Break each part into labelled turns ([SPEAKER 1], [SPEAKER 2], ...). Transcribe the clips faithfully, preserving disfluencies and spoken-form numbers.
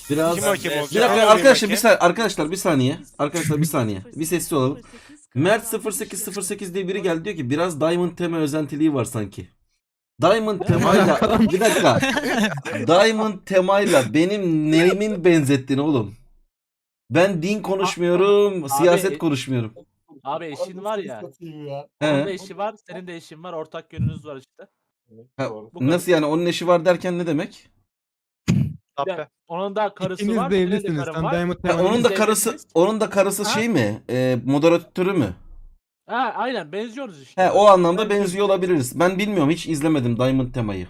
[SPEAKER 1] Biraz
[SPEAKER 2] Kim hakem
[SPEAKER 1] bir
[SPEAKER 2] olacak?
[SPEAKER 1] dakika
[SPEAKER 2] Anonim
[SPEAKER 1] arkadaşlar bir
[SPEAKER 2] hakem.
[SPEAKER 1] saniye arkadaşlar bir saniye. Arkadaşlar bir saniye. Bir sessiz olalım. Mert sıfır sekiz sıfır sekiz diye biri geldi diyor ki biraz Diamond tema özentiliği var sanki. Diamond temayla bir dakika. Diamond temayla benim neyimin benzettin oğlum? Ben din konuşmuyorum, siyaset
[SPEAKER 3] Abi,
[SPEAKER 1] konuşmuyorum.
[SPEAKER 3] abi eşin var ya.
[SPEAKER 4] ya.
[SPEAKER 3] Onun da
[SPEAKER 1] He.
[SPEAKER 3] eşi var, senin de eşin var. Ortak yönünüz var işte.
[SPEAKER 1] Ha,
[SPEAKER 3] Bu kadar.
[SPEAKER 1] nasıl yani onun eşi var derken ne demek?
[SPEAKER 3] Bir de Onun da karısı
[SPEAKER 5] İkiniz
[SPEAKER 3] var,
[SPEAKER 5] de
[SPEAKER 3] senin de
[SPEAKER 5] evlisiniz.
[SPEAKER 3] karın
[SPEAKER 5] Sen
[SPEAKER 3] var.
[SPEAKER 5] Diamond
[SPEAKER 1] Ha,
[SPEAKER 5] Teman'ın
[SPEAKER 1] onun da
[SPEAKER 3] Biz
[SPEAKER 1] karısı
[SPEAKER 3] evlisiniz.
[SPEAKER 1] onun da karısı
[SPEAKER 3] Ha?
[SPEAKER 1] şey mi? E, moderatörü mü?
[SPEAKER 3] Ha, aynen benziyoruz işte.
[SPEAKER 1] He, o anlamda
[SPEAKER 3] Benziyoruz.
[SPEAKER 1] benziyor olabiliriz. Ben bilmiyorum hiç izlemedim Diamond temayı.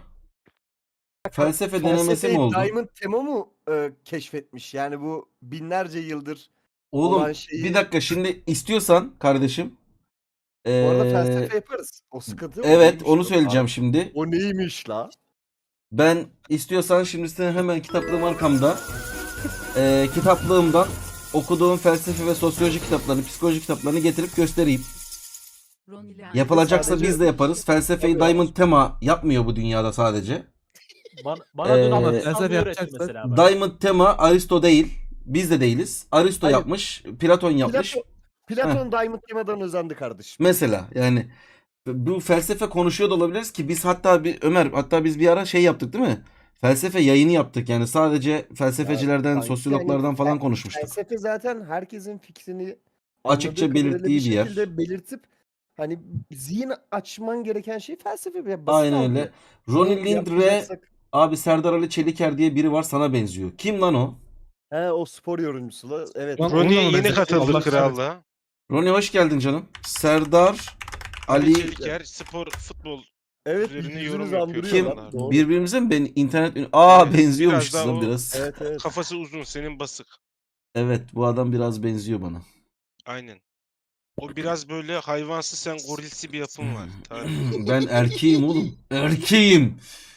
[SPEAKER 1] Felsefe denemesi mi
[SPEAKER 4] Felsefeyi
[SPEAKER 1] oldu?
[SPEAKER 4] Diamond Tema mı e, keşfetmiş? Yani bu binlerce yıldır
[SPEAKER 1] Oğlum
[SPEAKER 4] olan şeyi.
[SPEAKER 1] bir dakika şimdi istiyorsan kardeşim.
[SPEAKER 4] Bu arada
[SPEAKER 1] ee,
[SPEAKER 4] felsefe yaparız. O sıkıntı o
[SPEAKER 1] Evet
[SPEAKER 4] neymiş
[SPEAKER 1] onu
[SPEAKER 4] o?
[SPEAKER 1] söyleyeceğim
[SPEAKER 4] Abi,
[SPEAKER 1] şimdi.
[SPEAKER 4] O neymiş la?
[SPEAKER 1] Ben istiyorsan şimdi senin hemen kitaplığım arkamda. Ee, kitaplığımdan okuduğum felsefe ve sosyoloji kitaplarını, psikoloji kitaplarını getirip göstereyim. Yapılacaksa
[SPEAKER 4] Sadece-
[SPEAKER 1] biz de yaparız. Felsefeyi
[SPEAKER 4] Tabii.
[SPEAKER 1] Diamond tema yapmıyor bu dünyada sadece.
[SPEAKER 3] Bana, bana dün
[SPEAKER 1] Ee,
[SPEAKER 3] ama
[SPEAKER 5] felsefe
[SPEAKER 3] felsefe öğretti
[SPEAKER 5] yapacaksak-
[SPEAKER 3] mesela. bak.
[SPEAKER 1] Diamond tema Aristo değil. Biz de değiliz. Aristo
[SPEAKER 4] Hayır.
[SPEAKER 1] yapmış, Platon yapmış.
[SPEAKER 4] Platon, Platon Diamond Tema'dan özendi kardeşim.
[SPEAKER 1] Mesela yani bu felsefe konuşuyor da olabiliriz ki biz hatta bir Ömer hatta biz bir ara şey yaptık değil mi? Felsefe yayını yaptık yani sadece felsefecilerden,
[SPEAKER 4] Sanki
[SPEAKER 1] sosyologlardan
[SPEAKER 4] yani
[SPEAKER 1] falan
[SPEAKER 4] fel-
[SPEAKER 1] konuşmuştuk.
[SPEAKER 4] Felsefe zaten herkesin fikrini
[SPEAKER 1] Açıkça
[SPEAKER 4] anladığı kadarıyla
[SPEAKER 1] belirttiği bir yer.
[SPEAKER 4] şekilde belirtip hani zihin açman gereken şey felsefe. Basit
[SPEAKER 1] Aynen
[SPEAKER 4] abi.
[SPEAKER 1] öyle. Ronnie
[SPEAKER 4] Bunu
[SPEAKER 1] Lindre
[SPEAKER 4] yapmayacaksak-
[SPEAKER 1] abi Serdar Ali Çeliker diye biri var sana benziyor. Kim lan o?
[SPEAKER 4] He o spor yorumcusu la. Evet.
[SPEAKER 5] Lan-
[SPEAKER 2] Ronnie
[SPEAKER 5] Onunla mı
[SPEAKER 2] yeni
[SPEAKER 5] benzettin?
[SPEAKER 2] katıldı
[SPEAKER 5] Allah
[SPEAKER 2] krallığa.
[SPEAKER 1] Ronnie hoş geldin canım. Serdar
[SPEAKER 2] Ali
[SPEAKER 1] Ali
[SPEAKER 2] Çeliker spor futbol
[SPEAKER 4] Evet,
[SPEAKER 2] Türlerini
[SPEAKER 4] yüzünüz
[SPEAKER 2] yorum yapıyor.
[SPEAKER 4] andırıyor
[SPEAKER 1] kim?
[SPEAKER 4] lan, doğru.
[SPEAKER 1] Birbirimize mi ben internet Aa
[SPEAKER 2] Evet,
[SPEAKER 1] benziyormuşuz
[SPEAKER 2] biraz daha
[SPEAKER 1] lan
[SPEAKER 2] o-
[SPEAKER 1] biraz.
[SPEAKER 4] Evet evet.
[SPEAKER 2] kafası uzun, senin basık.
[SPEAKER 1] Evet bu adam biraz benziyor bana.
[SPEAKER 2] Aynen. O biraz böyle hayvansı, sen gorilsi bir yapın var. Tarık.
[SPEAKER 1] Ben erkeğim oğlum. Erkeğim.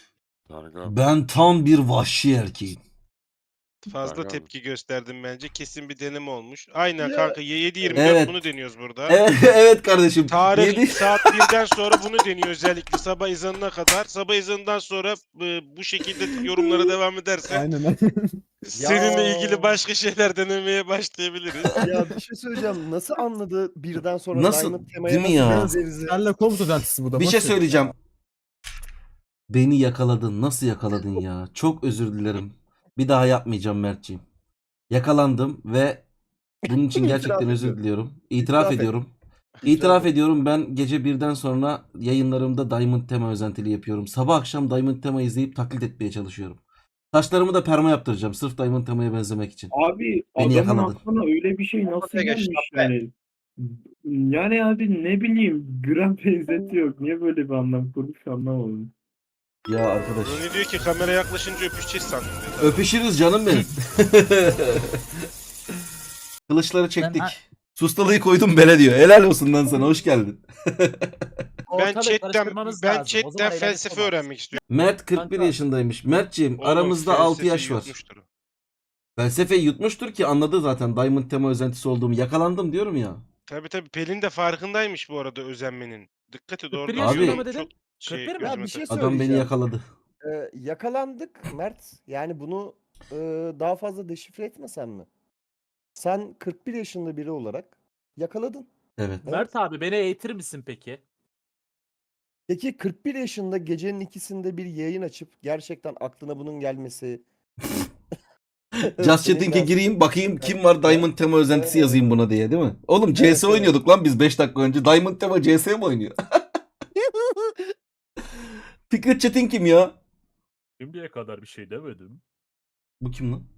[SPEAKER 1] Ben tam bir vahşi erkeğim.
[SPEAKER 2] Fazla tepki gösterdim bence. Kesin bir deneme olmuş. Aynen
[SPEAKER 4] Ya.
[SPEAKER 2] kanka yedi yirmi dört
[SPEAKER 1] Evet.
[SPEAKER 2] bunu deniyoruz burada.
[SPEAKER 1] Evet, evet kardeşim.
[SPEAKER 2] Tarih
[SPEAKER 1] Yedi-
[SPEAKER 2] saat birden sonra bunu deniyor özellikle sabah ezanına kadar. Sabah ezanından sonra e, bu şekilde yorumlara devam edersen
[SPEAKER 5] Aynen.
[SPEAKER 2] seninle ilgili başka şeyler denemeye başlayabiliriz.
[SPEAKER 4] Ya bir şey söyleyeceğim. Nasıl anladı birden sonra
[SPEAKER 1] Nasıl?
[SPEAKER 4] Diamond Tema'ya
[SPEAKER 1] Değil mi
[SPEAKER 4] nasıl
[SPEAKER 1] ya?
[SPEAKER 4] benzeriz?
[SPEAKER 5] Senle komut özentisi bu da.
[SPEAKER 1] Bir
[SPEAKER 5] boş
[SPEAKER 1] şey
[SPEAKER 5] ver.
[SPEAKER 1] söyleyeceğim. Beni yakaladın. Nasıl yakaladın ya? Çok özür dilerim. Bir daha yapmayacağım Mertciğim. Yakalandım ve bunun için
[SPEAKER 4] İtiraf
[SPEAKER 1] gerçekten özür
[SPEAKER 4] ediyorum.
[SPEAKER 1] diliyorum. İtiraf
[SPEAKER 4] İtiraf et.
[SPEAKER 1] ediyorum.
[SPEAKER 4] İtiraf
[SPEAKER 1] İtiraf
[SPEAKER 4] et.
[SPEAKER 1] ediyorum ben gece birden sonra yayınlarımda Diamond tema özentili yapıyorum. Sabah akşam Diamond tema izleyip taklit etmeye çalışıyorum. Saçlarımı da perma yaptıracağım sırf Diamond temaya benzemek için.
[SPEAKER 6] Abi
[SPEAKER 1] Beni
[SPEAKER 6] adamın
[SPEAKER 1] yakaladın.
[SPEAKER 6] aklına öyle bir şey nasıl
[SPEAKER 4] Ortaya geç,
[SPEAKER 6] gelmiş
[SPEAKER 4] tappe.
[SPEAKER 6] yani? Yani abi ne bileyim gram benzeti yok. Niye böyle bir anlam kurmuş anlamadım.
[SPEAKER 1] Ya arkadaş.
[SPEAKER 2] Ronnie diyor ki kamera yaklaşınca öpüşeceğiz sandım dedi.
[SPEAKER 1] Öpüşürüz canım benim. Kılıçları çektik.
[SPEAKER 3] Ben-
[SPEAKER 1] Sustalığı koydum bele diyor. Helal olsun lan sana hoş geldin.
[SPEAKER 2] Ben
[SPEAKER 3] Ortalığı
[SPEAKER 2] chatten,
[SPEAKER 3] karıştırmanız
[SPEAKER 2] ben
[SPEAKER 3] lazım. O zaman
[SPEAKER 2] chatten
[SPEAKER 3] eğlenceli
[SPEAKER 2] felsefe
[SPEAKER 3] olmaz.
[SPEAKER 2] öğrenmek istiyorum.
[SPEAKER 1] Mert kırk bir
[SPEAKER 3] Kanka.
[SPEAKER 1] yaşındaymış. Mertciğim
[SPEAKER 2] Oğlum,
[SPEAKER 1] aramızda altı
[SPEAKER 2] felsefe
[SPEAKER 1] yaş var.
[SPEAKER 2] yutmuştur o.
[SPEAKER 1] Felsefeyi yutmuştur ki anladı zaten Diamond tema özentisi olduğumu. Yakalandım diyorum ya.
[SPEAKER 2] Tabii tabii Pelin de farkındaymış bu arada özenmenin. Dikkat et orada.
[SPEAKER 3] kırk bir
[SPEAKER 1] yaşında
[SPEAKER 2] diyorum,
[SPEAKER 1] mı
[SPEAKER 3] dedin?
[SPEAKER 2] çok şey
[SPEAKER 3] kırk bir mi?
[SPEAKER 4] Ya
[SPEAKER 2] gözüme
[SPEAKER 4] bir şey
[SPEAKER 2] takıldı.
[SPEAKER 1] Adam beni
[SPEAKER 4] söyleyeceğim.
[SPEAKER 1] yakaladı.
[SPEAKER 4] Ee, yakalandık Mert. Yani bunu e, daha fazla deşifre etmesen mi? Sen kırk bir yaşında biri olarak yakaladın.
[SPEAKER 1] Evet.
[SPEAKER 3] Mert abi beni eğitir misin peki?
[SPEAKER 4] Peki kırk bir yaşında gecenin ikisinde bir yayın açıp gerçekten aklına bunun gelmesi.
[SPEAKER 1] Just
[SPEAKER 4] Senin
[SPEAKER 1] Chatting'e
[SPEAKER 4] ders-
[SPEAKER 1] gireyim bakayım kim var Diamond tema özentisi
[SPEAKER 4] Evet.
[SPEAKER 1] yazayım buna diye değil mi? Oğlum C S
[SPEAKER 4] Evet, evet.
[SPEAKER 1] oynuyorduk lan biz beş dakika önce. Diamond tema C S mi oynuyor? Fikret Çetin kim ya?
[SPEAKER 3] Şimdiye kadar bir şey demedim.
[SPEAKER 1] Bu kim lan?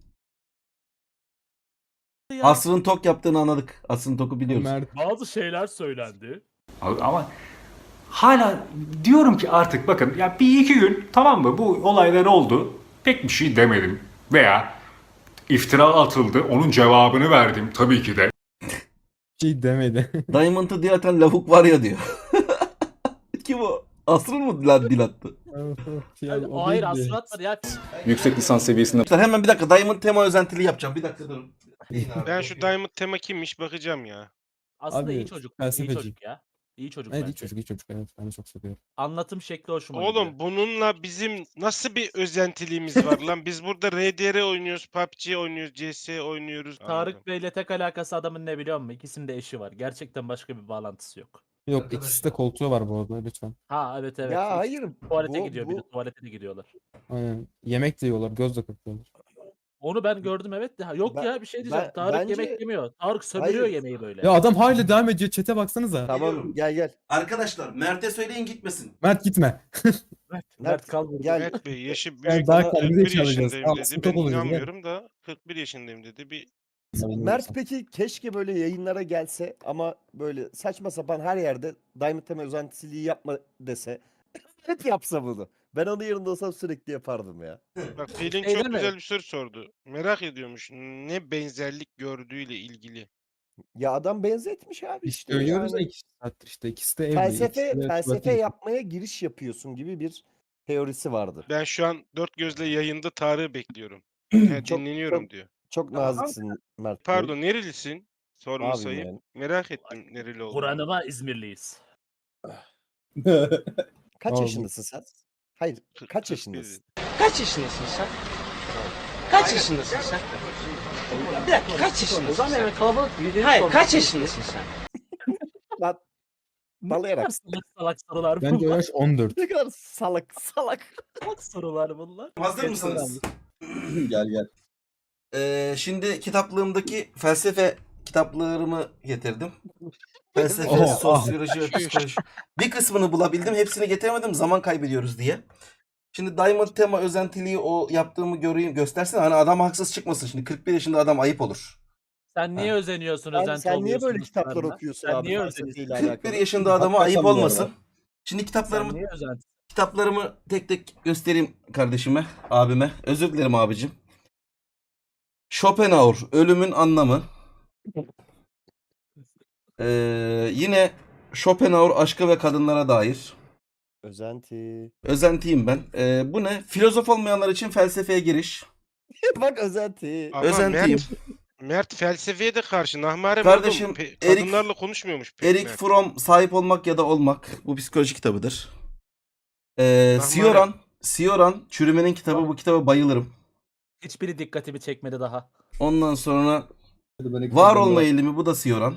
[SPEAKER 3] Ya,
[SPEAKER 1] Asrın Tok yaptığını anladık. Asrın Tok'u biliyoruz.
[SPEAKER 5] Mert.
[SPEAKER 3] bazı şeyler söylendi.
[SPEAKER 7] Abi ama hala diyorum ki artık bakın ya bir iki gün tamam mı bu olaylar oldu pek bir şey demedim veya iftira atıldı onun cevabını verdim tabii ki de.
[SPEAKER 5] Şey demedi.
[SPEAKER 1] Diamond'ı diye atan lavuk var ya diyor. Kim o? Asrın mı lan dil attı?
[SPEAKER 5] Şey,
[SPEAKER 3] Yani,
[SPEAKER 5] o
[SPEAKER 3] hayır
[SPEAKER 5] değildi.
[SPEAKER 3] asıl atmadı ya.
[SPEAKER 7] Yüksek lisans seviyesinde
[SPEAKER 1] Arkadaşlar hemen bir dakika Diamond tema özentili yapacağım. Bir dakika durun.
[SPEAKER 2] Ben şu Diamond tema kimmiş bakacağım ya.
[SPEAKER 3] Aslında
[SPEAKER 5] Abi,
[SPEAKER 3] iyi çocuk. İyi
[SPEAKER 5] felsefeci.
[SPEAKER 3] çocuk ya. İyi çocuk
[SPEAKER 5] Evet iyi
[SPEAKER 3] bence.
[SPEAKER 5] çocuk iyi çocuk. Evet ben de çok seviyorum.
[SPEAKER 3] Anlatım şekli hoşuma gidiyor.
[SPEAKER 2] Oğlum bununla bizim nasıl bir özentiliğimiz var lan? Biz burada R D R oynuyoruz, P U B G oynuyoruz, C S oynuyoruz. Anladım.
[SPEAKER 3] Tarık Bey'le tek alakası adamın ne biliyor musun? İkisinin de eşi var. Gerçekten başka bir bağlantısı yok.
[SPEAKER 5] Yok
[SPEAKER 1] Arkadaşlar.
[SPEAKER 5] ikisi de koltuğu var bu arada lütfen.
[SPEAKER 3] Ha evet evet.
[SPEAKER 4] Ya
[SPEAKER 3] İkisi
[SPEAKER 4] hayır.
[SPEAKER 3] Tuvalete
[SPEAKER 4] bu,
[SPEAKER 3] gidiyor
[SPEAKER 4] bu,
[SPEAKER 3] biri. Tuvalete de gidiyorlar.
[SPEAKER 5] Aynen. Yemek de yiyorlar göz de kırpıyorlar.
[SPEAKER 3] Onu ben gördüm evet de. Ha, Yok
[SPEAKER 4] Ben-
[SPEAKER 3] ya bir şey diyeceğim.
[SPEAKER 4] ben-
[SPEAKER 3] Tarık
[SPEAKER 4] bence-
[SPEAKER 3] yemek yemiyor. Tarık sömürüyor
[SPEAKER 4] Hayır.
[SPEAKER 3] yemeği böyle.
[SPEAKER 5] Ya adam hala devam ediyor chat'e baksanıza.
[SPEAKER 4] tamam
[SPEAKER 1] Geliyorum.
[SPEAKER 4] gel gel.
[SPEAKER 1] Arkadaşlar Mert'e söyleyin gitmesin.
[SPEAKER 5] Mert gitme.
[SPEAKER 3] Mert,
[SPEAKER 4] Mert,
[SPEAKER 3] kal burada.
[SPEAKER 4] gel.
[SPEAKER 2] Mert Bey yaşı büyük.
[SPEAKER 5] Yani daha
[SPEAKER 2] kırk
[SPEAKER 5] kalbimize
[SPEAKER 2] bir
[SPEAKER 5] çalacağız.
[SPEAKER 2] yaşındayım
[SPEAKER 5] Tamam,
[SPEAKER 2] dedi.
[SPEAKER 5] sıkıntı
[SPEAKER 2] Ben
[SPEAKER 5] olacağız, gel.
[SPEAKER 2] inanmıyorum da kırk bir yaşındayım dedi. Bir
[SPEAKER 4] Mert peki keşke böyle yayınlara gelse ama böyle saçma sapan her yerde Diamond Tema özentisiliği yapma dese. Hep yapsa bunu. Ben onun yerinde olsam sürekli yapardım ya.
[SPEAKER 2] Bak Pelin
[SPEAKER 3] Şey
[SPEAKER 2] çok
[SPEAKER 3] deme.
[SPEAKER 2] güzel bir soru sordu. Merak ediyormuş ne benzerlik gördüğüyle ilgili.
[SPEAKER 4] Ya adam benzetmiş abi
[SPEAKER 5] İşte
[SPEAKER 4] işte.
[SPEAKER 5] övüyoruz da
[SPEAKER 4] yani.
[SPEAKER 5] iki saattir işte. İkisi de evli.
[SPEAKER 4] Felsefe
[SPEAKER 5] ikisi de
[SPEAKER 4] felsefe
[SPEAKER 5] tuvalete
[SPEAKER 4] yapmaya giriş yapıyorsun gibi bir teorisi vardı.
[SPEAKER 2] Ben şu an dört gözle yayında Tarık'ı bekliyorum. Ha,
[SPEAKER 4] Çok-
[SPEAKER 2] dinleniyorum
[SPEAKER 4] çok-
[SPEAKER 2] diyor.
[SPEAKER 4] Çok naziksin Mert Bey.
[SPEAKER 2] Pardon nerelisin? Sorma
[SPEAKER 4] Abim
[SPEAKER 2] sayıp.
[SPEAKER 4] yani.
[SPEAKER 2] Merak ettim nereli olduğunu.
[SPEAKER 3] Kur'an'ıma İzmirliyiz.
[SPEAKER 5] gidiyor.
[SPEAKER 4] Kaç
[SPEAKER 5] Abi.
[SPEAKER 4] yaşındasın sen? Hayır,
[SPEAKER 2] Kırk-
[SPEAKER 4] kaç
[SPEAKER 2] kırk bir
[SPEAKER 4] yaşındasın?
[SPEAKER 8] Kaç yaşındasın sen? Kaç yaşındasın sen? Bir dakika kaç yaşındasın sen? Hayır kaç yaşındasın sen?
[SPEAKER 4] Lan
[SPEAKER 3] Ne
[SPEAKER 4] Dalayarak.
[SPEAKER 3] kadar salak salak sorular
[SPEAKER 5] Bence o
[SPEAKER 3] bunlar.
[SPEAKER 5] yaş on dört.
[SPEAKER 4] ne kadar salak salak.
[SPEAKER 3] Salak sorular bunlar.
[SPEAKER 1] Hazır mısınız?
[SPEAKER 5] Gel gel.
[SPEAKER 1] Ee, şimdi kitaplığımdaki felsefe kitaplarımı getirdim. Felsefe,
[SPEAKER 5] Oha.
[SPEAKER 1] sosyoloji ve psikoloji. Bir kısmını bulabildim. Hepsini getiremedim. Zaman kaybediyoruz diye. Şimdi Diamond Tema özentiliği o yaptığımı göreyim göstersen hani adam haksız çıkmasın. Şimdi kırk bir yaşında adam ayıp olur.
[SPEAKER 3] Sen niye özeniyorsun,
[SPEAKER 4] Sen,
[SPEAKER 3] özenti
[SPEAKER 4] sen niye
[SPEAKER 3] oluyorsun
[SPEAKER 4] böyle kitaplar
[SPEAKER 3] dostlarına?
[SPEAKER 4] okuyorsun
[SPEAKER 3] Sen
[SPEAKER 4] abi
[SPEAKER 3] niye
[SPEAKER 4] felsefeyle
[SPEAKER 3] özeniyorsun?
[SPEAKER 1] kırk bir
[SPEAKER 4] alakalı?
[SPEAKER 1] yaşında adama
[SPEAKER 5] Hakikaten
[SPEAKER 1] ayıp
[SPEAKER 5] bu arada.
[SPEAKER 1] olmasın. Şimdi
[SPEAKER 3] Sen
[SPEAKER 1] kitaplarımı
[SPEAKER 3] niye özenti?
[SPEAKER 1] kitaplarımı tek tek göstereyim kardeşime, abime. Özür dilerim abicim. Schopenhauer, Ölümün Anlamı. Ee, yine Schopenhauer, Aşka ve Kadınlara Dair.
[SPEAKER 4] Özenti.
[SPEAKER 1] Özentiyim ben. Ee, bu ne? Filozof olmayanlar için felsefeye giriş.
[SPEAKER 4] Bak özenti.
[SPEAKER 2] Ama
[SPEAKER 1] Özentiyim.
[SPEAKER 2] Mert, Mert felsefeye de karşı. Nahmare
[SPEAKER 1] Kardeşim,
[SPEAKER 2] oğlum, pe-
[SPEAKER 1] Erik-
[SPEAKER 2] kadınlarla konuşmuyormuş. pek
[SPEAKER 1] Erik
[SPEAKER 2] Mert.
[SPEAKER 1] Fromm, Sahip Olmak ya da Olmak. Bu psikoloji kitabıdır. Ee,
[SPEAKER 2] Rahman
[SPEAKER 1] Sioran, Sioran, Çürümenin kitabı. Bu kitaba bayılırım.
[SPEAKER 3] Hiçbiri dikkatimi çekmedi daha.
[SPEAKER 1] Ondan sonra Var Olma Eğilimi. Bu da Sioran.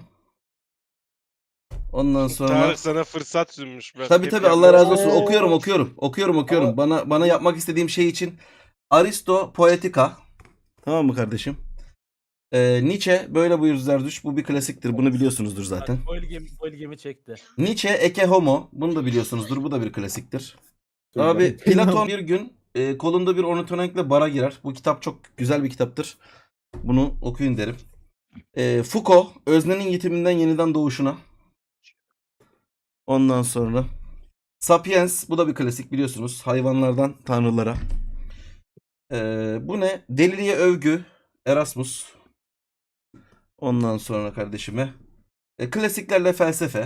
[SPEAKER 1] Ondan sonra
[SPEAKER 2] Tarık sana fırsat sunmuş. Bak,
[SPEAKER 1] tabii
[SPEAKER 2] hep
[SPEAKER 1] tabii
[SPEAKER 2] yapma.
[SPEAKER 1] Allah razı olsun.
[SPEAKER 4] Oo.
[SPEAKER 1] Okuyorum okuyorum. Okuyorum okuyorum.
[SPEAKER 4] Ama-
[SPEAKER 1] Bana bana yapmak istediğim şey için Aristo Poetika. Tamam mı kardeşim? Ee, Nietzsche Böyle Buyur Zerdüşt. Bu bir klasiktir. Bunu biliyorsunuzdur zaten.
[SPEAKER 3] Bak, bu ilgimi, bu ilgimi çekti.
[SPEAKER 1] Nietzsche Ecce Homo. Bunu da biliyorsunuzdur. Bu da bir klasiktir. Abi Platon bir gün e, kolunda bir ornitorenkle bara girer. Bu kitap çok güzel bir kitaptır. Bunu okuyun derim. E, Foucault Öznenin Yitiminden Yeniden Doğuşuna. Ondan sonra Sapiens. Bu da bir klasik biliyorsunuz. Hayvanlardan tanrılara. E, bu ne? Deliliğe Övgü. Erasmus. Ondan sonra kardeşime. E, klasiklerle felsefe.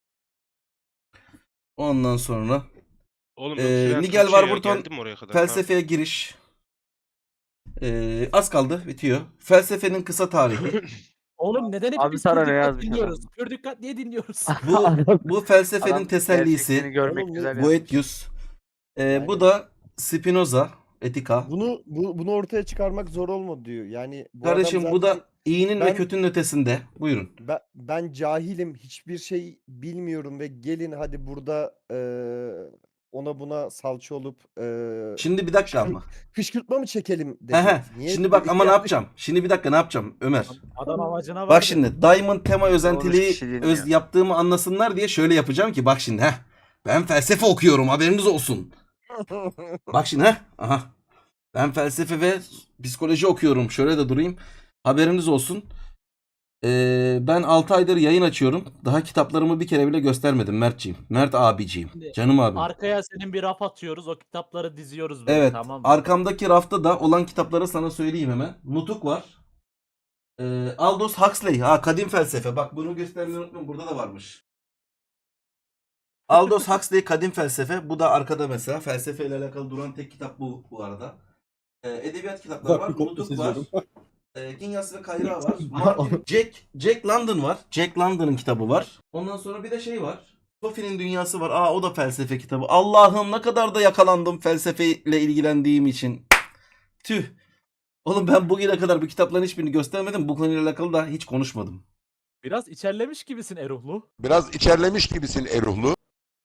[SPEAKER 1] Ondan sonra
[SPEAKER 2] Oğlum,
[SPEAKER 1] Ee,
[SPEAKER 2] öpülen
[SPEAKER 1] Nigel
[SPEAKER 2] Tuğçe ya,
[SPEAKER 1] Warburton
[SPEAKER 2] geldim oraya kadar.
[SPEAKER 1] Felsefeye giriş. Ee, az kaldı bitiyor. Felsefenin kısa tarihi.
[SPEAKER 3] Oğlum neden hep
[SPEAKER 9] Abi
[SPEAKER 3] biz
[SPEAKER 9] sana
[SPEAKER 3] pür
[SPEAKER 9] ne
[SPEAKER 3] dikkat
[SPEAKER 9] yazmış
[SPEAKER 3] dinliyoruz? Pür dikkat niye dinliyoruz?
[SPEAKER 1] Bu bu felsefenin
[SPEAKER 9] Adam
[SPEAKER 1] tesellisi.
[SPEAKER 9] gerçekliğini görmek
[SPEAKER 4] Oğlum,
[SPEAKER 9] güzel ya.
[SPEAKER 1] Boethius. Ee, bu da Spinoza. Etika.
[SPEAKER 4] Bunu bu, bunu ortaya çıkarmak zor olmadı diyor. Yani bu
[SPEAKER 1] Kardeşim
[SPEAKER 4] adam
[SPEAKER 1] bu
[SPEAKER 4] zaten-
[SPEAKER 1] da iyinin ve
[SPEAKER 4] ben-
[SPEAKER 1] kötünün ötesinde. Buyurun.
[SPEAKER 4] Ben, ben cahilim, hiçbir şey bilmiyorum ve gelin hadi burada eee, ona buna salça olup eee
[SPEAKER 1] Şimdi bir dakika ama.
[SPEAKER 4] kışkırtma mı çekelim dedi.
[SPEAKER 1] Hehe.
[SPEAKER 4] Niye
[SPEAKER 1] Şimdi bak
[SPEAKER 4] dedik
[SPEAKER 1] ama ne
[SPEAKER 4] yani?
[SPEAKER 1] yapacağım? Şimdi bir dakika ne yapacağım Ömer?
[SPEAKER 3] Adam amacına vardı.
[SPEAKER 1] Bak şimdi Diamond Tema özentiliği
[SPEAKER 9] kişi dinliyor.
[SPEAKER 1] öz yaptığımı anlasınlar diye şöyle yapacağım ki bak şimdi heh. Ben felsefe okuyorum haberiniz olsun. Bak şimdi heh. Aha. Ben felsefe ve psikoloji okuyorum. Şöyle de durayım. Haberiniz olsun. Ee, ben altı aydır yayın açıyorum. Daha kitaplarımı bir kere bile göstermedim Mertciğim. Mert abiciğim.
[SPEAKER 3] Şimdi
[SPEAKER 1] Canım abim.
[SPEAKER 3] Arkaya senin bir raf atıyoruz. O kitapları diziyoruz böyle,
[SPEAKER 1] Evet.
[SPEAKER 3] tamam mı?
[SPEAKER 1] Arkamdaki rafta da olan kitapları sana söyleyeyim hemen. Nutuk var. Ee, Aldous Huxley. Ha, kadim felsefe. Bak bunu göstermeyi unutmayın. Burada da varmış. Aldous Huxley Kadim Felsefe. Bu da arkada mesela. Felsefeyle alakalı duran tek kitap bu bu arada. Ee, edebiyat kitapları var. Nutuk var. Ee, Kinyas ve Kayra var. Martin, Jack, Jack London var. Jack London'ın kitabı var. Ondan sonra bir de şey var. Sophie'nin Dünyası var. Aa o da felsefe kitabı. Allah'ım ne kadar da yakalandım felsefeyle ilgilendiğim için. Tüh. Oğlum ben bugüne kadar bu kitapların hiçbirini göstermedim. Bu konuyla alakalı da hiç konuşmadım.
[SPEAKER 3] Biraz içerlemiş gibisin Eruhlu.
[SPEAKER 9] Biraz içerlemiş gibisin Eruhlu.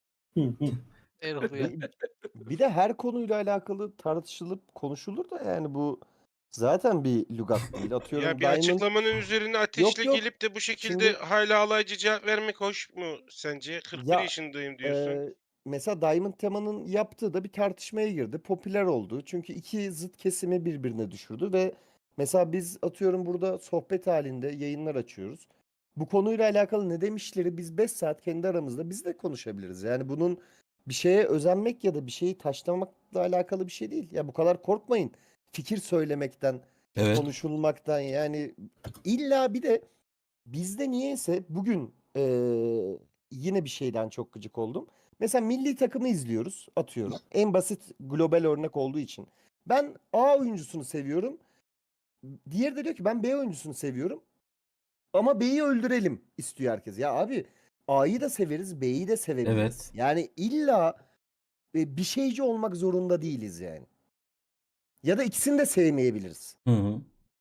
[SPEAKER 8] Erol'u ya.
[SPEAKER 4] Bir, bir de her konuyla alakalı tartışılıp konuşulur da yani bu zaten bir lügat değil. Atıyorum
[SPEAKER 2] Ya bir
[SPEAKER 4] Diamond
[SPEAKER 2] açıklamanın üzerine ateşle
[SPEAKER 4] yok.
[SPEAKER 2] gelip de bu şekilde
[SPEAKER 4] Şimdi-
[SPEAKER 2] hala alaycı cevap vermek hoş mu sence? kırk bir
[SPEAKER 4] Ya,
[SPEAKER 2] yaşındayım diyorsun.
[SPEAKER 4] Ee, mesela Diamond Tema'nın yaptığı da bir tartışmaya girdi. Popüler oldu. Çünkü iki zıt kesimi birbirine düşürdü ve mesela biz atıyorum burada sohbet halinde yayınlar açıyoruz. Bu konuyla alakalı ne demişleri biz beş saat kendi aramızda biz de konuşabiliriz. Yani bunun bir şeye özenmek ya da bir şeyi taşlamakla alakalı bir şey değil. Ya bu kadar korkmayın fikir söylemekten,
[SPEAKER 1] Evet.
[SPEAKER 4] konuşulmaktan. Yani illa bir de bizde niyeyse bugün eee, yine bir şeyden çok gıcık oldum. Mesela milli takımı izliyoruz, atıyorum. En basit global örnek olduğu için. Ben A oyuncusunu seviyorum. Diğeri de diyor ki ben B oyuncusunu seviyorum. Ama B'yi öldürelim istiyor herkes. Ya abi A'yı da severiz, B'yi de sevebiliriz.
[SPEAKER 1] Evet.
[SPEAKER 4] Yani illa e, bir şeyci olmak zorunda değiliz yani. Ya da ikisini de sevmeyebiliriz.
[SPEAKER 1] Hı hı.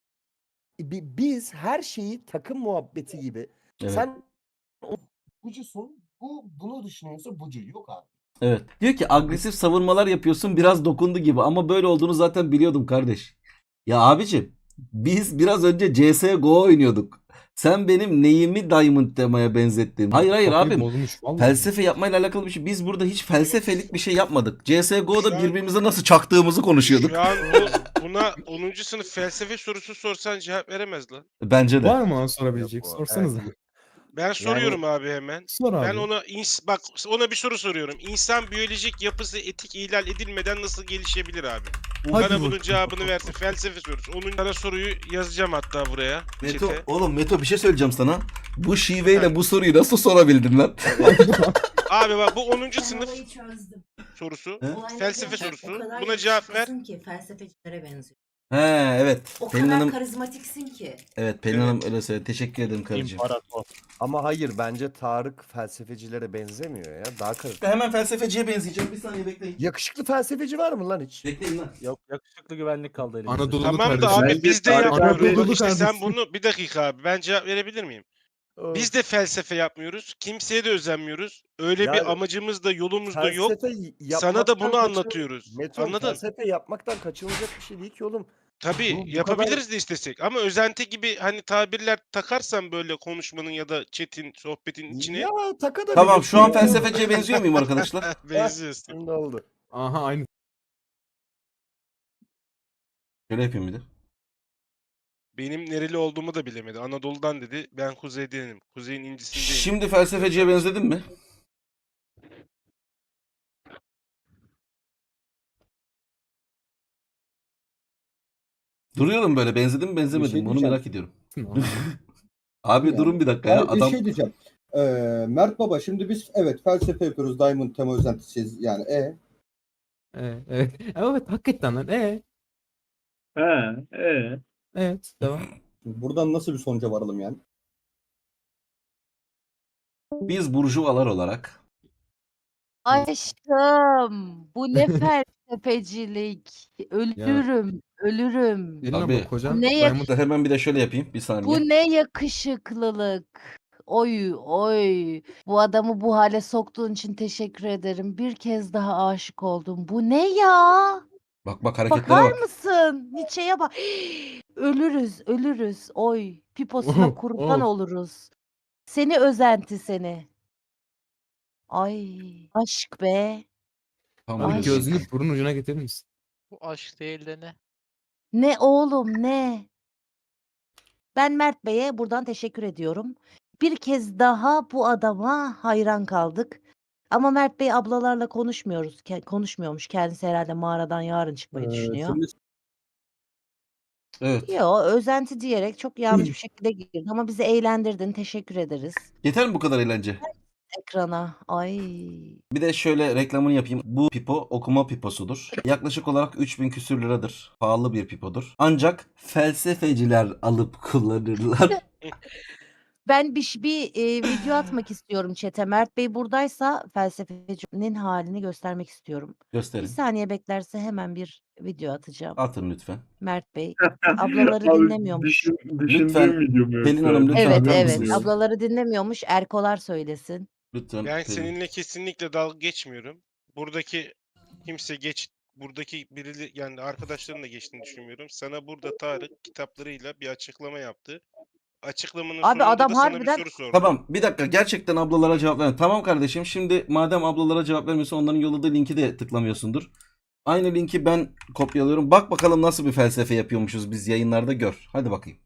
[SPEAKER 4] E, bi- Biz her şeyi takım muhabbeti gibi.
[SPEAKER 1] Evet.
[SPEAKER 4] Sen o bucusun, bu bunu düşünüyorsa bucu yok abi.
[SPEAKER 1] Evet. Diyor ki agresif savunmalar yapıyorsun biraz dokundu gibi ama böyle olduğunu zaten biliyordum kardeş. Ya abicim biz biraz önce C S G O oynuyorduk. Sen benim neyimi Diamond Tema'ya benzettin? Hayır hayır
[SPEAKER 5] Kafayı
[SPEAKER 1] abim.
[SPEAKER 5] bozmuş vallahi.
[SPEAKER 1] Felsefe yapmayla alakalı bir şey. Biz burada hiç felsefelik bir şey yapmadık. C S G
[SPEAKER 2] Şu
[SPEAKER 1] O'da
[SPEAKER 2] an-
[SPEAKER 1] birbirimize nasıl çaktığımızı konuşuyorduk.
[SPEAKER 2] Şu an bu, buna onuncu sınıf felsefe sorusu sorsan cevap veremez lan.
[SPEAKER 1] Bence de.
[SPEAKER 5] Var mı ona sorabilecek?
[SPEAKER 4] Yok bu.
[SPEAKER 5] Sorsanıza.
[SPEAKER 2] Ben soruyorum abi hemen.
[SPEAKER 5] Sor abi.
[SPEAKER 2] Ben ona ins bak ona bir soru soruyorum. İnsan biyolojik yapısı etik ihlal edilmeden nasıl gelişebilir abi?
[SPEAKER 5] Hadi
[SPEAKER 2] Bana
[SPEAKER 5] bakalım.
[SPEAKER 2] bunun cevabını versin. Felsefe sorusu. Onun sana soruyu yazacağım hatta buraya.
[SPEAKER 1] Meto,
[SPEAKER 2] Çete.
[SPEAKER 1] oğlum Meto bir şey söyleyeceğim sana. Bu şiveyle bu soruyu nasıl sorabildin lan?
[SPEAKER 2] Abi bak bu onuncu
[SPEAKER 10] Ben
[SPEAKER 2] sınıf
[SPEAKER 10] olayı çözdüm.
[SPEAKER 2] sorusu.
[SPEAKER 1] He?
[SPEAKER 10] Olayları
[SPEAKER 2] Felsefe
[SPEAKER 10] gerçekten
[SPEAKER 2] sorusu.
[SPEAKER 10] o kadar
[SPEAKER 2] Buna cevap ver.
[SPEAKER 10] yakışıklısın ki felsefecilere benziyor.
[SPEAKER 1] He evet.
[SPEAKER 10] O
[SPEAKER 1] Pelin
[SPEAKER 10] kadar
[SPEAKER 1] Hanım,
[SPEAKER 10] karizmatiksin ki.
[SPEAKER 1] evet Pelin Hanım öyle söyledi. Teşekkür ederim karıcığım.
[SPEAKER 3] İmparator.
[SPEAKER 4] Ama hayır bence Tarık felsefecilere benzemiyor ya. Daha karışık.
[SPEAKER 1] Hemen felsefeciye benzeyeceğim. Bir saniye bekleyin.
[SPEAKER 4] Yakışıklı felsefeci var mı lan hiç?
[SPEAKER 1] Bekleyin lan.
[SPEAKER 3] Yok yakışıklı güvenlik kaldı elimizde.
[SPEAKER 5] Anadolu
[SPEAKER 2] Tamam da
[SPEAKER 5] kardeşim.
[SPEAKER 2] abi
[SPEAKER 6] Bence
[SPEAKER 2] biz de
[SPEAKER 6] Tarık
[SPEAKER 2] yapmıyoruz.
[SPEAKER 5] abi-
[SPEAKER 2] Bak işte sen
[SPEAKER 5] kardeşim.
[SPEAKER 2] bunu bir dakika abi ben cevap verebilir miyim? Biz de felsefe yapmıyoruz. Kimseye de özenmiyoruz. Öyle
[SPEAKER 4] Yani
[SPEAKER 2] bir amacımız da yolumuz da yok.
[SPEAKER 4] felsefe
[SPEAKER 2] Sana da
[SPEAKER 4] yapmaktan
[SPEAKER 2] bunu
[SPEAKER 4] kaçın-
[SPEAKER 2] anlatıyoruz.
[SPEAKER 4] Meto,
[SPEAKER 2] Anladın?
[SPEAKER 4] felsefe yapmaktan kaçınılacak bir şey değil ki oğlum.
[SPEAKER 2] Tabii
[SPEAKER 4] Bu- bu
[SPEAKER 2] yapabiliriz de istesek. Ama özenti gibi hani tabirler takarsan böyle konuşmanın ya da chat'in, sohbetin içine
[SPEAKER 4] Ya taka da
[SPEAKER 1] Tamam
[SPEAKER 4] bilirsin
[SPEAKER 1] şu an
[SPEAKER 4] ya.
[SPEAKER 1] felsefeciye benziyor muyum arkadaşlar?
[SPEAKER 2] benziyorsun.
[SPEAKER 4] Şimdi oldu.
[SPEAKER 5] Aha aynı.
[SPEAKER 1] Şöyle yapayım bir de.
[SPEAKER 2] Benim nereli olduğumu da bilemedi. Anadolu'dan dedi. Ben kuzeydenim. Kuzeyin incisindeyim.
[SPEAKER 1] Şimdi felsefeciye benzedim mi? Duruyorum böyle benzedim mi benzemedim
[SPEAKER 5] şey
[SPEAKER 1] mi onu
[SPEAKER 5] diyeceğim.
[SPEAKER 1] merak ediyorum. Abi
[SPEAKER 5] Yani-
[SPEAKER 1] durun bir dakika ya
[SPEAKER 5] Abi bir
[SPEAKER 1] adam
[SPEAKER 5] şey diyeceğim. Ee, Mert Baba şimdi biz evet felsefe yapıyoruz. Diamond tema özentisiyiz yani. E. Evet, evet. Evet hakikaten lan. E.
[SPEAKER 6] Ha, ee.
[SPEAKER 5] Evet devam. Buradan nasıl bir sonuca varalım yani?
[SPEAKER 1] biz burjuvalar olarak
[SPEAKER 10] Aşkım bu ne felsefecilik. Ölürüm, ölürüm.
[SPEAKER 5] Gelin
[SPEAKER 1] Abi.
[SPEAKER 5] abla kocan
[SPEAKER 10] Ne
[SPEAKER 5] Diamond
[SPEAKER 1] hemen bir de şöyle yapayım bir saniye.
[SPEAKER 10] Bu ne yakışıklılık. Oy oy. Bu adamı bu hale soktuğun için teşekkür ederim. Bir kez daha aşık oldum. Bu ne ya?
[SPEAKER 1] Bak bak hareketlere
[SPEAKER 10] Bakar
[SPEAKER 1] bak.
[SPEAKER 10] mısın? Nietzsche'ye bak. Ölürüz, ölürüz. Oy. Piposuna
[SPEAKER 5] Of,
[SPEAKER 10] kurban
[SPEAKER 5] of.
[SPEAKER 10] oluruz. Seni özenti seni. Ay. Aşk be.
[SPEAKER 1] Tamam,
[SPEAKER 10] Ay.
[SPEAKER 5] Abi gözünü burun ucuna getirir misin?
[SPEAKER 8] Bu aşk değil de ne?
[SPEAKER 10] Ne oğlum ne? Ben Mert Bey'e buradan teşekkür ediyorum. Bir kez daha bu adama hayran kaldık. Ama Mert Bey ablalarla konuşmuyoruz. ke- Konuşmuyormuş. Kendisi herhalde mağaradan yarın çıkmayı
[SPEAKER 5] Ee,
[SPEAKER 10] düşünüyor.
[SPEAKER 5] şimdi
[SPEAKER 1] Evet.
[SPEAKER 10] Yo, özenti diyerek çok yanlış bir şekilde girdi ama bizi eğlendirdin. Teşekkür ederiz.
[SPEAKER 1] Yeter mi bu kadar eğlence?
[SPEAKER 10] Ekrana. Ay.
[SPEAKER 1] Bir de şöyle reklamını yapayım. Bu pipo okuma piposudur. Yaklaşık olarak üç bin küsür liradır. Pahalı bir pipodur. Ancak felsefeciler alıp kullanırlar.
[SPEAKER 10] Ben bir, ş- bir e, video atmak istiyorum chat'e. Mert Bey buradaysa felsefecinin halini göstermek istiyorum. Bir
[SPEAKER 1] Gösterin.
[SPEAKER 10] saniye beklerse hemen bir video atacağım.
[SPEAKER 1] Atın lütfen.
[SPEAKER 10] Mert Bey. Ablaları
[SPEAKER 6] Abi
[SPEAKER 10] dinlemiyormuş.
[SPEAKER 6] düşün,
[SPEAKER 1] Lütfen,
[SPEAKER 6] düşündüğüm video mu
[SPEAKER 1] Pelin
[SPEAKER 6] yoksa?
[SPEAKER 1] Hanım, lütfen
[SPEAKER 10] Evet
[SPEAKER 1] atar
[SPEAKER 10] evet.
[SPEAKER 1] mısınız?
[SPEAKER 10] Ablaları dinlemiyormuş. Erkolar söylesin.
[SPEAKER 1] Lütfen
[SPEAKER 2] Ben
[SPEAKER 1] Pelin.
[SPEAKER 2] seninle kesinlikle dalga geçmiyorum. Buradaki kimse geç buradaki biri yani arkadaşların da geçtiğini düşünmüyorum. Sana burada Tarık kitaplarıyla bir açıklama yaptı. Açıklamanın
[SPEAKER 10] Abi
[SPEAKER 2] sonunda
[SPEAKER 10] adam
[SPEAKER 2] da sana
[SPEAKER 10] harbiden-
[SPEAKER 2] bir soru sordu.
[SPEAKER 1] Tamam bir dakika, gerçekten ablalara cevap ver. Tamam kardeşim, şimdi madem ablalara cevap vermiyorsun, onların yolladığı linki de tıklamıyorsundur. Aynı linki ben kopyalıyorum. Bak bakalım nasıl bir felsefe yapıyormuşuz biz yayınlarda, gör. Hadi bakayım.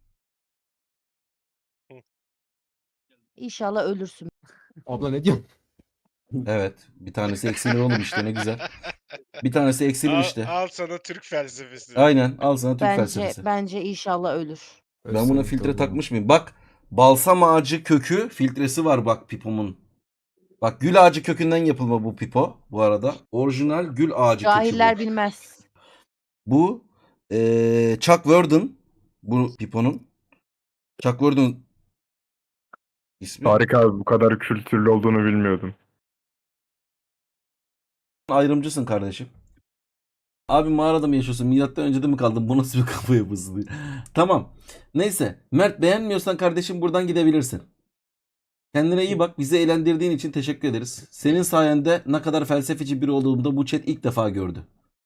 [SPEAKER 10] İnşallah ölürsün.
[SPEAKER 5] Abla ne diyorsun?
[SPEAKER 1] Evet, bir tanesi eksilir oğlum, işte ne güzel. Bir tanesi eksilir
[SPEAKER 2] Al,
[SPEAKER 1] işte.
[SPEAKER 2] al sana Türk felsefesi.
[SPEAKER 1] Aynen, al sana Türk
[SPEAKER 10] Bence
[SPEAKER 1] felsefesi.
[SPEAKER 10] bence inşallah ölür.
[SPEAKER 1] Ben buna filtre takmış mıyım? Bak, balsam ağacı kökü filtresi var bak pipomun. Bak, gül ağacı kökünden yapılma bu pipo bu arada. Orijinal gül ağacı
[SPEAKER 10] Cahiller
[SPEAKER 1] kökü bu.
[SPEAKER 10] bilmez.
[SPEAKER 1] Bu eee Chuck Worden, bu piponun. Chuck Worden ismi.
[SPEAKER 6] Harika abi, bu kadar kültürlü olduğunu bilmiyordum.
[SPEAKER 1] Ayrımcısın kardeşim. Abi mağarada mı yaşıyorsun? Milattan önce de mi kaldın? Bu nasıl bir kafa yapısı? Tamam. Neyse. Mert, beğenmiyorsan kardeşim buradan gidebilirsin. Kendine iyi bak. Bizi eğlendirdiğin için teşekkür ederiz. Senin sayende ne kadar felsefeci biri olduğumu da bu chat ilk defa gördü.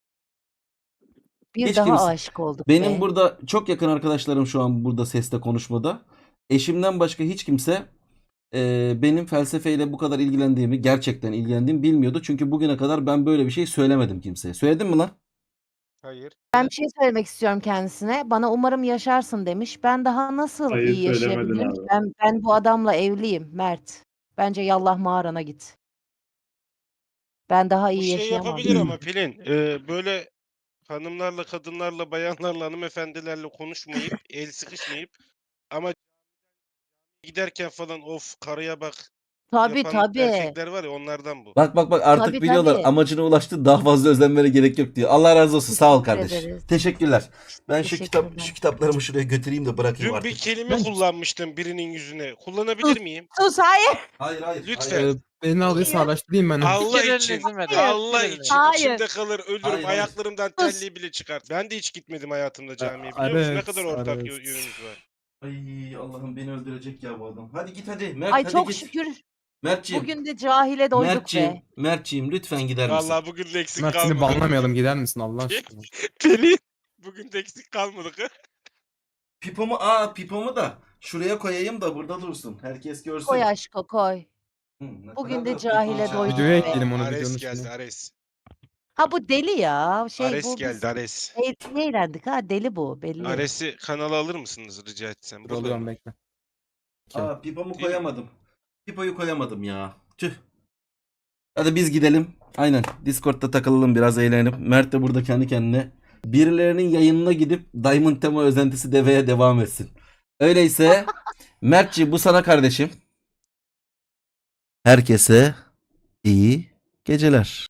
[SPEAKER 10] Bir
[SPEAKER 1] Hiç
[SPEAKER 10] daha
[SPEAKER 1] kimse-
[SPEAKER 10] aşık olduk
[SPEAKER 1] Benim
[SPEAKER 10] be.
[SPEAKER 1] burada çok yakın arkadaşlarım şu an burada sesle konuşmada. Eşimden başka hiç kimse e, benim felsefeyle bu kadar ilgilendiğimi, gerçekten ilgilendiğimi bilmiyordu. Çünkü bugüne kadar ben böyle bir şey söylemedim kimseye. Söyledim mi lan?
[SPEAKER 2] Hayır.
[SPEAKER 10] Ben bir şey söylemek istiyorum kendisine. Bana umarım yaşarsın demiş. Ben daha nasıl
[SPEAKER 6] Hayır,
[SPEAKER 10] iyi
[SPEAKER 6] söylemedin
[SPEAKER 10] yaşayabilirim?
[SPEAKER 6] abi.
[SPEAKER 10] Ben, ben bu adamla evliyim Mert. Bence yallah mağarana git. Ben daha
[SPEAKER 2] Bu
[SPEAKER 10] iyi
[SPEAKER 2] şey
[SPEAKER 10] yaşayamam.
[SPEAKER 2] yapabilir ama Pelin. e, böyle hanımlarla, kadınlarla, bayanlarla, hanımefendilerle konuşmayıp, el sıkışmayıp ama giderken falan of karıya bak
[SPEAKER 10] Tabii
[SPEAKER 2] yapan
[SPEAKER 10] tabii.
[SPEAKER 2] erkekler var ya, onlardan bu.
[SPEAKER 1] Bak bak bak, artık
[SPEAKER 10] Tabii,
[SPEAKER 1] biliyorlar
[SPEAKER 10] tabii.
[SPEAKER 1] amacına ulaştı, daha fazla özenmene gerek yok diyor. Allah razı olsun, sağ ol
[SPEAKER 10] Teşekkür
[SPEAKER 1] kardeş.
[SPEAKER 10] ederiz.
[SPEAKER 1] Teşekkürler. Ben şu kitap
[SPEAKER 10] Teşekkürler.
[SPEAKER 1] şu kitaplarımı şuraya götüreyim de bırakayım
[SPEAKER 2] Dün
[SPEAKER 1] artık.
[SPEAKER 2] bir kelime
[SPEAKER 5] Ben-
[SPEAKER 2] kullanmıştım birinin yüzüne. Kullanabilir miyim?
[SPEAKER 10] Sus hayır.
[SPEAKER 1] Hayır hayır.
[SPEAKER 2] Lütfen.
[SPEAKER 1] hayır.
[SPEAKER 5] Beni alıyorsa araştırayım ben.
[SPEAKER 2] Allah
[SPEAKER 8] Fikirlerini
[SPEAKER 2] için,
[SPEAKER 8] izin verin.
[SPEAKER 2] Allah
[SPEAKER 8] Fikirlerini.
[SPEAKER 2] için
[SPEAKER 10] Hayır.
[SPEAKER 2] içimde kalır, ölürüm,
[SPEAKER 1] Hayır, hayır.
[SPEAKER 2] ayaklarımdan
[SPEAKER 10] Sus.
[SPEAKER 2] terliği bile çıkar. Ben de hiç gitmedim hayatımda camiye, biliyor musun? Ne
[SPEAKER 5] Evet,
[SPEAKER 2] kadar ortak
[SPEAKER 5] evet.
[SPEAKER 2] yö- yönümüz var.
[SPEAKER 1] Ay Allah'ım, beni öldürecek ya bu adam. Hadi git hadi. Mert
[SPEAKER 10] Ay
[SPEAKER 1] hadi
[SPEAKER 10] çok
[SPEAKER 1] git.
[SPEAKER 10] şükür
[SPEAKER 1] Mertciğim.
[SPEAKER 10] bugün de cahile doyduk
[SPEAKER 1] Mertciğim,
[SPEAKER 10] be.
[SPEAKER 1] Mertciğim lütfen gider misin?
[SPEAKER 2] Vallahi bugün de eksik
[SPEAKER 5] Mert seni
[SPEAKER 2] kalmadı.
[SPEAKER 5] banlamayalım, gider misin Allah aşkına?
[SPEAKER 2] Pelin, bugün de eksik kalmadık.
[SPEAKER 1] Pipomu, aa pipomu da şuraya koyayım da burada dursun. Herkes görsün.
[SPEAKER 10] Koy aşko koy.
[SPEAKER 1] Hı, ne
[SPEAKER 10] Bugün
[SPEAKER 1] kadar
[SPEAKER 10] de
[SPEAKER 1] da
[SPEAKER 10] cahile
[SPEAKER 1] pipo-
[SPEAKER 10] doyduk
[SPEAKER 5] Videoya
[SPEAKER 10] be.
[SPEAKER 5] ekleyelim onu, videonun
[SPEAKER 2] Ares
[SPEAKER 5] üstüne.
[SPEAKER 2] geldi, Ares.
[SPEAKER 10] Ha bu deli ya. Şey
[SPEAKER 2] Ares
[SPEAKER 10] bu biz
[SPEAKER 2] geldi, Ares.
[SPEAKER 10] e- eğlendik ha deli bu belli.
[SPEAKER 2] Ares'i kanala alır mısınız rica etsem?
[SPEAKER 5] Dur
[SPEAKER 2] Burada
[SPEAKER 5] alıyorum,
[SPEAKER 2] mı?
[SPEAKER 5] bekle.
[SPEAKER 1] Aa pipomu
[SPEAKER 2] Değil mi?
[SPEAKER 1] koyamadım. Pipoyu koyamadım ya. Tüh. Hadi biz gidelim. Aynen. Discord'da takılalım, biraz eğlenelim. Mert de burada kendi kendine birilerinin yayınına gidip Diamond Tema özentisi deveye devam etsin. Öyleyse Mertci, bu sana kardeşim. Herkese iyi geceler.